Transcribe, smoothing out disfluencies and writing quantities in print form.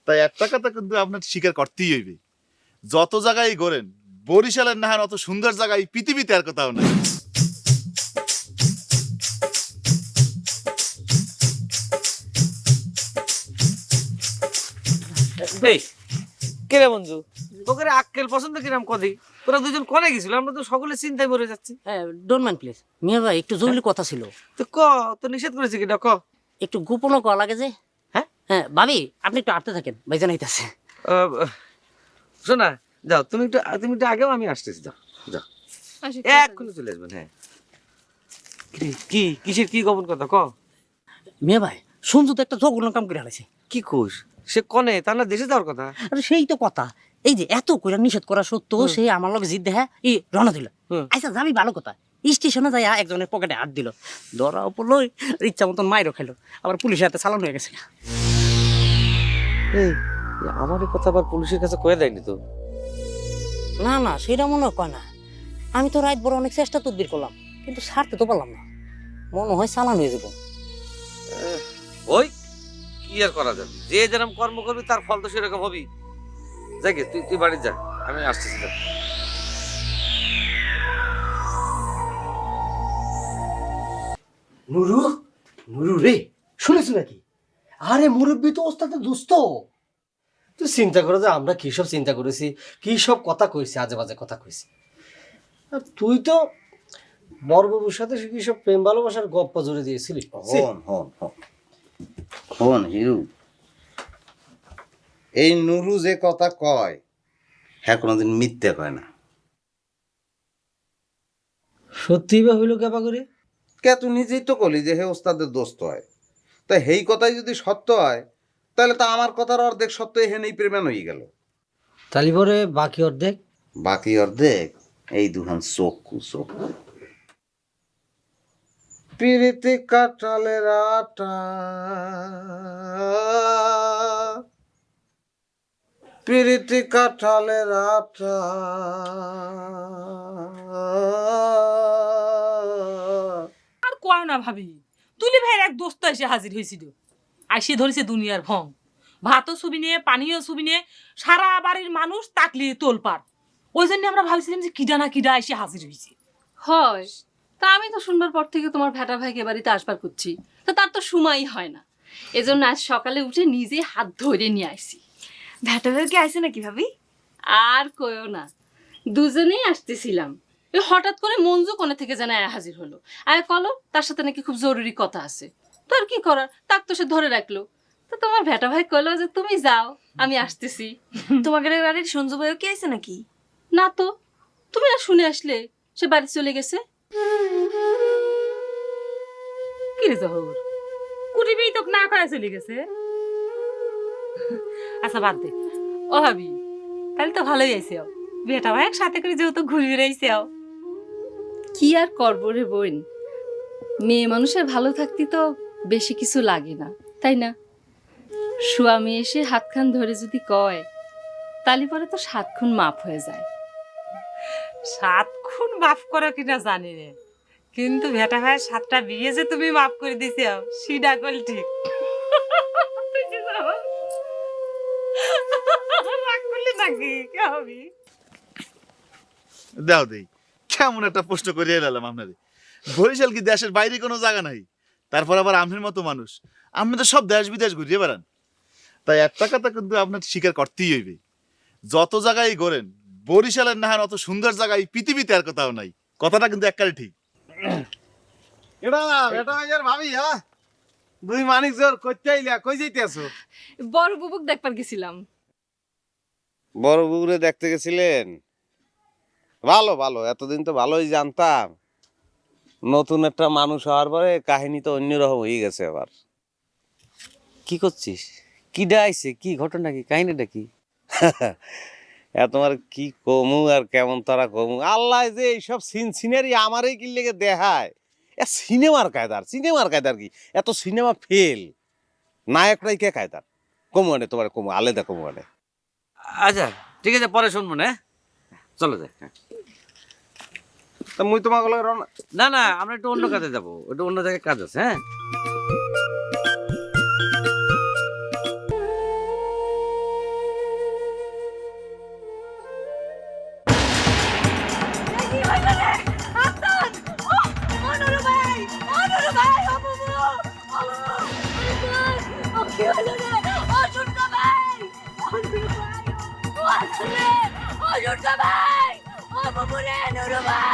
তাই একটা কথা কিন্তু আপনার স্বীকার করতেই হইবে, যত জায়গায় ঘোরেন বরিশালের নাহার অত সুন্দর জায়গায় পৃথিবীতে আর কোথাও নাই। এই কে রে বন্ধু, তোকে আক্কেল পছন্দ কিরাম কদি? তোরা দুজন কনে গেছিল? আমরা তো সকলে চিন্তায় মরে যাচ্ছি। Don't mind please. মিয়া ভাই একটু জরুরি কথা ছিল। তো ক, তো নিষেধ করেছি কিনা ক। একটু গোপনও করা লাগে যে। হ্যাঁ হ্যাঁ ভাবি, আপনি একটু আটতে থাকেন, ভাইজান আইতাছে। শোনা, যাও তুমি একটু আগেও, আমি আসতেছি। যাও যাও, এক্ষুনি চলে আসবেন। হ্যাঁ, কি কিসের কি গোপন কথা ক। মিয়া ভাই সঞ্জু তো একটা জঘন্য কাম করে হারাইছে। কি কোষ? সে কনে, তা না দেশে যাওয়ার কথা। আরে সেই তো কথা, এই যে এত কইরা নিষেধ করা সত্ত্বেও সে আমার লগে জিদ দেখা রওনা দিল। আচ্ছা যাবি ভালো কথা, স্টেশনে যাইয়া একজনের পকেটে হাত দিল, ধরা পড়লো, ইচ্ছা মতন মাইরও খাইলো, আবার পুলিশের হাতে চালান হয়ে গেছে। এই আমার এই কথা আবার পুলিশের কাছে কয়ে দেয়নি তো? না না, সেটা মনে হয় কয় না। আমি তো রাত বড় অনেক চেষ্টা তদবির করলাম, কিন্তু ছাড়তে তো পারলাম না। মনে হয় চালান হয়ে যাবো। ওই কি আর করা যাবে, যে যেরকম কর্ম করবি তার ফল তো সেরকম হবি। যাকে তুই তুই বাড়ি যা, আমি আসতেছি। নুরু, নুরু রে, শুনেছ নাকি? আরে মুরব্বী তো ওস্তাদের দোস্ত। তুই চিন্তা করো যে আমরা কি সব চিন্তা করেছি, কি সব কথা কইছি, আজে বাজে কথা কইছি। আর তুই তো বড়বাবুর সাথে কি সব প্রেম ভালোবাসার গপ্প জুড়ে দিয়েছিলি। হন হন হন হন হিরু, এই নুরু যে কথা কয় হ্যাঁ কোনোদিন মিথ্যে কয় না। সত্যি বা হইল কেবা করে? কে তুই নিজেই তো কলি যে হে ওস্তাদের দোস্ত হয়, তাই সেই কথাই যদি সত্য হয় তাহলে তো আমার কথার অর্ধেক সত্য হে নেই প্রেমান হয়ে গেল। তালি পরে বাকি অর্ধেক? বাকি অর্ধেক এই দুহান চক্ষু চক্ষু। পিরিতি কাটালের আটা, পিরিতি কাটালের আটা। আর কয় না ভাবি, তুলি ভাইয়ের এক দোস্ত এসে হাজির হয়েছিল, আইসে ধরেছে দুনিয়ার ভং। ভাতও ছবি নিয়ে, পানিও ছবি নিয়ে, সারা বাড়ির মানুষ তাকলিয়ে তোলপাড়। ওই জন্য আমরা ভাবছিলাম যে কিডা না কিডা এসে হাজির হয়েছে। হয়, তা আমি তো শুনবার পর থেকে তোমার ভেটা ভাইকে বাড়িতে আসবার করছি, তো তার তো সময়ই হয় না। এজন্য আজ সকালে উঠে নিজে হাত ধরে নিয়ে আসি। ভেটা ভাই কি আইছে নাকি ভাবি? আর কইও না, দুজনেই আসতেছিলাম, ওই হঠাৎ করে মঞ্জু কোণে থেকে যেন হাজির হলো। আর কলো তার সাথে নাকি খুব জরুরি কথা আছে। তো আর কি করার, তাক তো সে ধরে রাখলো। তো তোমার ভেটা ভাই কইলো যে তুমি যাও, আমি আসতেছি। তোমাদের বাড়ির সঞ্জু ভাইও কি আইছে নাকি? না তো, তুমি না শুনে আসলে সে বাড়ি চলে গেছে। কি রে জহর, কুটিবেই তোকে না কয়া চলে গেছে? আচ্ছা বাদ দে, ও ভাবি তাহলে তো ভালোই আইসে। বেটা ভাই একসাথে করে যেহেতু ঘুরে বেড়াইছে। কি আর করবো রে বোন, মেয়ে মানুষের ভালো থাকতে তো বেশি কিছু লাগে না, তাই না? স্বামী এসে হাতখান ধরে যদি কয়, তালি পরে তো 7 খুন মাফ হয়ে যায়। 7 খুন মাফ করো কিনা জানি রে, কিন্তু ভেটা ভাই 7টা বিয়ে যে তুমি মাফ করে দিছে সেটা কল ঠিক। রাগ করলি নাকি? কে হবি? দাও দেই, কেমন একটা প্রশ্ন করিয়ে এলাম আপনারে। বরিশাল কি দেশের বাইরে কোনো জায়গা নাই? তারপর আবার আপনার মতো মানুষ, আপনি তো সব দেশ বিদেশ ঘুরিয়ে বেড়ান। তাই একটা কথা কিন্তু আপনার স্বীকার করতেই হইবে, যত জায়গায় ঘোরেন বরিশালের নাহার অত সুন্দর জায়গায় পৃথিবীতে আর কোথাও নাই। কথাটা কিন্তু একবারে ঠিক। এটা বেটা ভাইয়ার ভাবি, হ্যাঁ দুই মানিক জোর করতে আইলা, কই যাইতে আছো? বড় বুবুক দেখবার গেছিলাম। বড় বুবুরে দেখতে গেছিলেন? ভালো ভালো, এতদিন তো ভালোই জানতাম, নতুন একটা মানুষ হওয়ার পরে কাহিনী তো অন্যরকম হয়ে গেছে। আবার কি করছিস? কিডা আইছে, কি ঘটনা, কি কাহিনীটা কি? তোমার কি কমু আর কেমন তারা কমু, আল্লাহ যে এইসব সিনারি আমারই কি লেগে দেখায়। সিনেমার কায়দার কি এত সিনেমা ফেল, নায়করাই কে কায়দার কমু আনে, তোমার কমু আলাদা কমু আনে। আচ্ছা ঠিক আছে, পরে শুনবো না। চলো যাই। তা মুই তোমাকে না না, আমরা একটু অন্য কাজে যাবো, একটু অন্য জায়গায় কাজ আছে। হ্যাঁ কি হলো রে ও শুনকা ভাই ও শুনকা ভাই ও আসলে ও শুনকা ভাই ও বাবু রে নুরু ভাই